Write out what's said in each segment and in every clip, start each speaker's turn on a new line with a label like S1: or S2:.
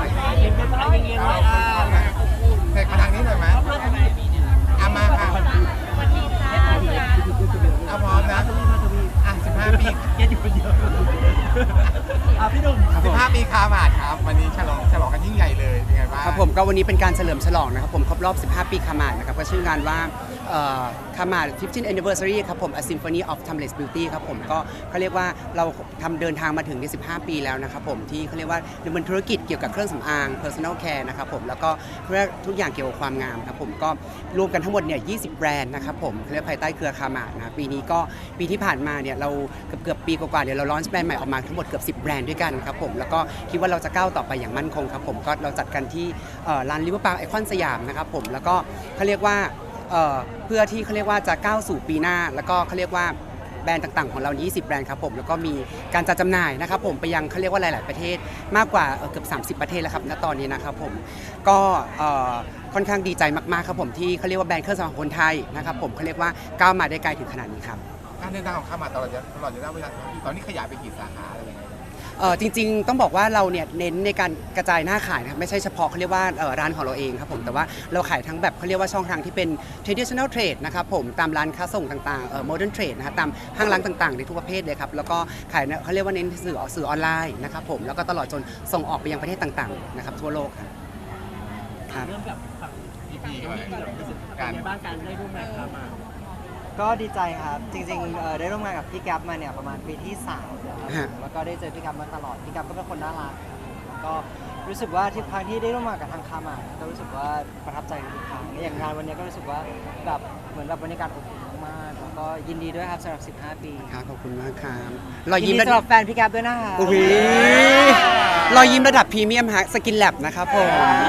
S1: ยังเป็นอะไรยังไง
S2: เสกมาทางนี้หน่อยไหมเอามาค่ะเอาพร้อมนะ15 ปี
S1: เย็นอยู่คนเดียวพี่หนุ่ม
S2: 15 ปีคาหมาดครับวันนี้ฉลองกันยิ่งใหญ่เลยเป็นไงบ้าง
S3: ครับผมก็วันนี้เป็นการเฉลิมฉลองนะครับผมครบรอบ 15 ปีคามาดนะครับก็ชื่องานว่าคามาด 15th Anniversary ครับผม A Symphony of Timeless Beauty ครับผมก็เขาเรียกว่าเราเดินทางมาถึงใน15 ปีแล้วนะครับผมที่เขาเรียกว่าดำเนินธุรกิจเกี่ยวกับเครื่องสำอาง Personal Care นะครับผมแล้วก็ทุกอย่างเกี่ยวกับความงามครับผมก็รวมกันทั้งหมดเนี่ย20 แบรนด์นะครับผมเรียกภายใต้เครือคามาดนะปีนี้ก็ปีที่ผ่านมาเนี่ยเราเกือบปีกว่าๆเดี๋ยวเราลอนช์แบรนด์ใหม่ออกมาทั้งหมดเกือบ10 แบรนด์ด้วยกันครับผมแล้วก็คิดว่าเราจะก้าวต่อไปอย่างมั่นคงครับผมก็เราจัดกันที่ร้านริเวอร์ปาร์คไอคอนสยามนะครับผมแล้วก็เขาเรียกว่าเพื่อที่เขาเรียกว่าจะก้าวสู่ปีหน้าแล้วก็เขาเรียกว่าแบรนด์ต่างๆของเรา20 แบรนด์ครับผมแล้วก็มีการจัดจำหน่ายนะครับผมไปยังเขาเรียกว่าหลายๆประเทศมากกว่าเกือบ30 ประเทศแล้วครับณตอนนี้นะครับผมก็ค่อนข้างดีใจมากๆครับผมที่เขาเรียกว่าแบรนด์เครื่องสำอางคนไทยนะครับผมเขาเรียกว่าก้าวมาได้ไกลถึงขนาดนี้ครับ
S2: การเดินทางของคาหมาดตลอดระยะเวลาตอนนี้ขยายไปกี่สาขาอะไรยังไง
S3: จริงๆต้องบอกว่าเราเนี่ยเน้นในการกระจายหน้าขายนะครับไม่ใช่เฉพาะเขาเรียกว่าร้านของเราเองครับผมแต่ว่าเราขายทั้งแบบเขาเรียกว่าช่องทางที่เป็น traditional trade นะครับผมตามร้านค้าส่งต่างๆmodern trade นะครับตามห้างร้านต่างๆในทุกประเภทเลยครับแล้วก็ขายเขาเรียกว่าเน้นสื่อออนไลน์นะครับผมแล้วก็ตลอดจนส่งออกไปยังประเทศต่างๆนะครับทั่วโลกครับ
S1: เริ่มกับฝั่งพี่ก่อนการบ้านการได้ร่วมงานครับมา
S4: ก็ดีใจครับจริงๆได้ร่วมงานกับพี่แก๊ปมาเนี่ยประมาณปีที่3แล้วแล้วก็ได้เจอพี่แก๊ปมาตลอดพี่แก๊ปก็เป็นคนน่ารักแล้วก็รู้สึกว่าที่ครั้งที่ได้ร่วมงานกับทางคามาก็รู้สึกว่าประทับใจทุกครั้งอย่างงานวันนี้ก็รู้สึกว่าแบบเหมือนแบบบรรยากาศอบอุ่นมากๆแล้วก็ยินดีด้วยครับสำหรับ15 ปี
S3: ครับขอบคุณมากครับ
S4: รอยยิ้มสำหรับแฟนพี่แก๊ปด้วยนะคะ
S3: รอยยิ้มระดับพรีเมียมฮะสกินแลบนะครับผม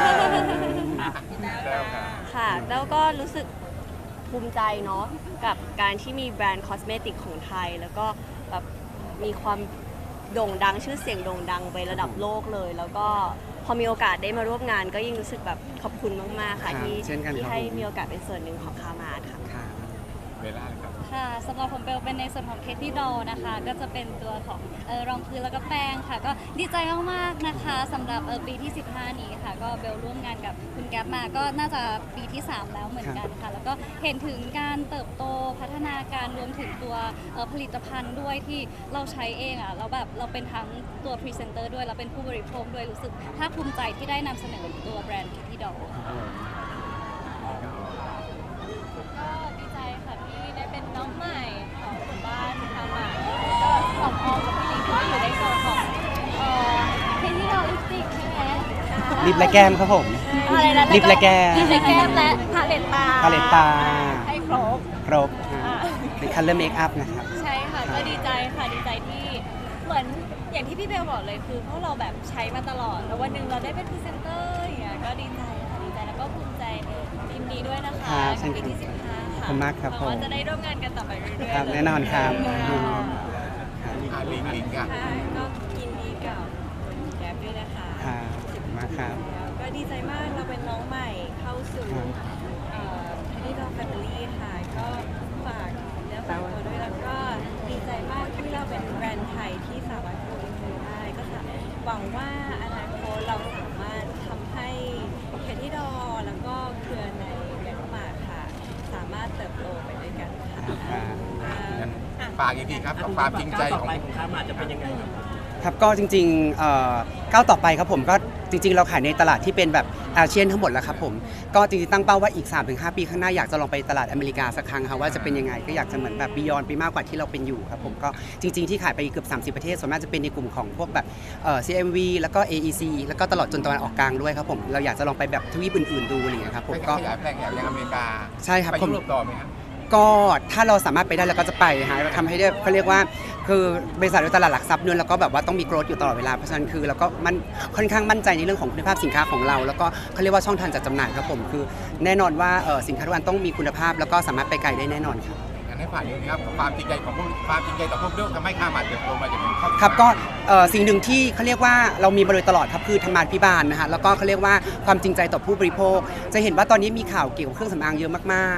S5: ค่ะแล้วก็รู้สึกภูมิใจเนาะกับการที่มีแบรนด์คอสเมติกของไทยแล้วก็แบบมีความโด่งดังชื่อเสียงโด่งดังไประดับโลกเลยแล้วก็พอมีโอกาสได้มาร่วมงานก็ยิ่งรู้สึกแบบขอบคุณมากๆค่ะที่ให้มีโอกาสเป็นส่วนหนึ่งของคามาดค่ะ
S2: เวลาครับ
S6: ค่ะสำหรับผมเบลเป็นในส่วนของเคที่ดอลนะคะก็จะเป็นตัวของรองพื้นแล้วก็แป้งค่ะก็ดีใจมากๆนะคะสำหรับปีที่15นี้ค่ะก็เบลร่วมงานกับคุณแก๊ปมาก็น่าจะปีที่3แล้วเหมือนกันค่ะแล้วก็เห็นถึงการเติบโตพัฒนาการรวมถึงตัวผลิตภัณฑ์ด้วยที่เราใช้เองอ่ะเราแบบเราเป็นทั้งตัวพรีเซนเตอร์ด้วยเราเป็นผู้บริโภคด้วยรู้สึกภาคภูมิใจที่ได้นำเสนอตัวแบรนด์เคที่ดอลก็ดีใจค่ะที่ได้เป็นน้องใหม่ของหมู่บ้านคามาก็สองออมกับพี่ลิงก็อยู่ในโซนของเคที่ดอลลิปสติกใช่ไหม
S3: ลิปและแก้มครับผมลิปและแก้ม
S6: ลิปและแก้มและพาเลตตาให้ครบ
S3: เป็นคัลเลอร์เมคอัพนะครับ
S6: ใช่ค่ะก็ดีใจค่ะดีใจที่เหมือนอย่างที่พี่เบลบอกเลยคือพวกเราแบบใช้มาตลอดแล้ววันหนึ่งเราได้เป็นพรีเซนเตอร์อย่างเงี้ยก็ดีใจค่ะดีใจแล้วก็ภูมิใจยินดีด้วยนะคะกับปีที่15ค่ะ
S3: ขอบคุณมากครับผม
S6: จะได้ร่วมงานกันต่อไปเรื่อยๆ
S3: ครับแน่นอนครับ
S2: ลิงอ่ะ
S6: ก็ยินดีกับแก๊ปด้วยนะคะ
S3: ครับขอบคุณมากครับ
S6: ก็ดีใจมากเราเป็นน้องใหม่เข้าสู่ที่เราแฟมิลี่ค่ะก็ฝากเนื้อฝากตัวด้วยแล้วก็ดีใจมากที่เราเป็นแบรนด์ไทยที่สามารถโกอินเตอร์ได้ก็หวังว่าอนาคตเราสามารถทำให้เคที่ดอแล้วก็เครือในเมียนมาค่ะสามารถเติบโตไปด้วยกันค่ะ
S2: ฝากอีกทีครับกับความจริงใจของ
S1: คามาดจะเป็นยังไง
S3: ครับก็จริงๆก้าวต่อไปครับผมก็จริงๆเราขายในตลาดที่เป็นแบบอาเซียนทั้งหมดแล้วครับผมก็จริงๆตั้งเป้าว่าอีก 3-5 ปีข้างหน้าอยากจะลองไปตลาดอเมริกาสักครั้งครับว่าจะเป็นยังไงก็อยากจะเหมือนแบบบียอนไปมากกว่าที่เราเป็นอยู่ครับผมก็จริงๆที่ขายไปเกือบ30 ประเทศส่วนมากจะเป็นในกลุ่มของพวกแบบCMV แล้วก็ AEC แล้วก็ตลอดจนตะวันออกกลางด้วยครับผมเราอยากจะลองไปแบบทวีปอื่นๆดูอะไรอย่างเงี้ยครับผมก็
S2: ขยายแปลงอย่างอเมริกา
S3: ใช่ครับ
S2: ไปยุโรปต่อไหมครับ
S3: ก็ถ้าเราสามารถไปได้เราก็จะไปหาทำให้ได้เขาเรียกว่าคือบริษัทในตลาดหลักทรัพย์เนี่ยเราก็แบบว่าต้องมีโกรธอยู่ตลอดเวลาเพราะฉะนั้นคือเราก็มันค่อนข้างมั่นใจในเรื่องของคุณภาพสินค้าของเราแล้วก็เขาเรียกว่าช่องทางจัดจำหน่ายครับผมคือแน่นอนว่าสินค้าทุกอันต้องมีคุณภาพแล้วก็สามารถไปไกลได้แน่นอนครับ
S2: งั้นให้ผ่านนี้ครับความจริงใจของพวกความจริงใจต่อพวกเรื่องทำให้คามาดเติบโตมาจนถึง
S3: ครับก็สิ่งหนึ่งที่เขาเรียกว่าเรามีมาโดยตลอดครับคือธรรมาภิบาลนะฮะแล้วก็เขาเรียกว่าความจริงใจต่อผู้บริโภคจะเห็นว่าตอนนี้มีข่าวเกี่ยวกับเครื่องสำอางเยอะมากๆ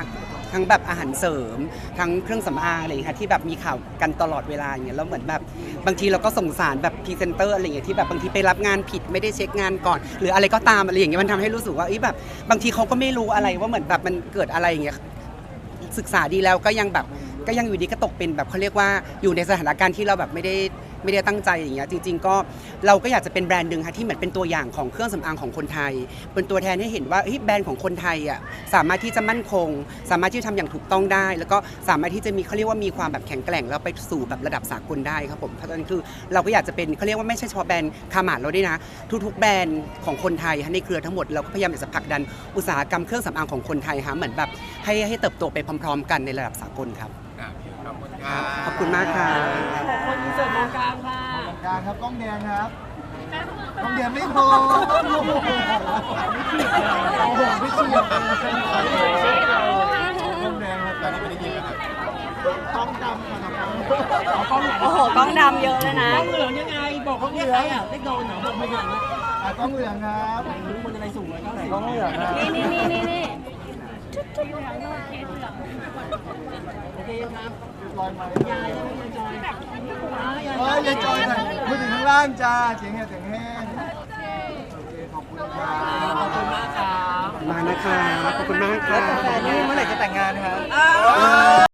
S3: ทั้งแบบอาหารเสริมทั้งเครื่องสำอางอะไรอย่างเงี้ยค่ะที่แบบมีข่าวกันตลอดเวลาอย่างเงี้ยแล้วเหมือนแบบบางทีเราก็สงสารแบบพรีเซนเตอร์อะไรอย่างเงี้ยที่แบบบางทีไปรับงานผิดไม่ได้เช็คงานก่อน หรืออะไรก็ตามอะไรอย่างเงี้ยมันทำให้รู้สึกว่าแบบบางทีเขาก็ไม่รู้อะไรว่าเหมือนแบบมันเกิดอะไรอย่างเงี้ยศึกษาดีแล้วก็ยังแบบก็ยังอยู่ดีก็ตกเป็นแบบเขาเรียกว่าอยู่ในสถานการณ์ที่เราแบบไม่ได้ตั้งใจอย่างเงี้ยจริงๆก็เราก็อยากจะเป็นแบรนด์หนึ่งค่ะที่เหมือนเป็นตัวอย่างของเครื่องสำอางของคนไทยเป็นตัวแทนให้เห็นว่าแบรนด์ของคนไทยอ่ะสามารถที่จะมั่นคงสามารถที่จะทำอย่างถูกต้องได้ แล้วก็สามารถที่จะมีเขาเรียกว่ามีความแบบแข็งแกร่งแล้วไปสู่แบบระดับสากลได้ครับผมเพราะฉะนั้นคือเราก็อยากจะเป็นเขาเรียกว่าไม่ใช่เฉพาะแบรนด์คามาดเราด้วยนะทุกๆแบรนด์ของคนไทยในเครือทั้งหมดเราก็พยายามจะผลักดันอุตสาหกรรมเครื่องสำอางของคนไทยเหมือนแบบให้เติบโตไปพร้อมๆ กันในระดับสากลครับ
S2: ขอบคุณครับ
S3: ขอบคุณมากค่ะ
S1: คนอินเสิร์ตตรงกลางค่ะ
S7: กลางครับกล้องแดงครับกล้องแดงไม่พอโอ้โหไม่เฉียบกล้องแดงครับ
S2: ตอนนี้ไม่ได้ยินแล้วครับ
S7: กล้องดำครับ
S1: กล้องไหน
S5: โอ้โหกล้องดำเยอะเลยนะ
S1: กล้องเหลืองยังไงบอกเขาเนี่ยใครอ่ะได้โดนเหรอบอกไม่เหลืองนะ
S7: กล้องเหลืองครับ
S1: รู้คนอะไรสูงเลยก็
S7: กล้องเหลืองครับ
S5: นี่
S1: โอเคครับ
S7: ลอยมาย
S1: ายแล้วยายจอยยาย
S7: เฮ้ยยายจอยหน่อยพูดถึงข้างล่างจ้าเสียงแห้งเสียงแห้งโอเคขอบคุณครับ
S1: ขอบคุณมากครับ
S3: มานะคะขอบคุณมาก
S4: แล้
S3: ค่ะ
S4: วแฟนนี่เมื่อไหร่จะแต่งงานครับ
S1: อ้าว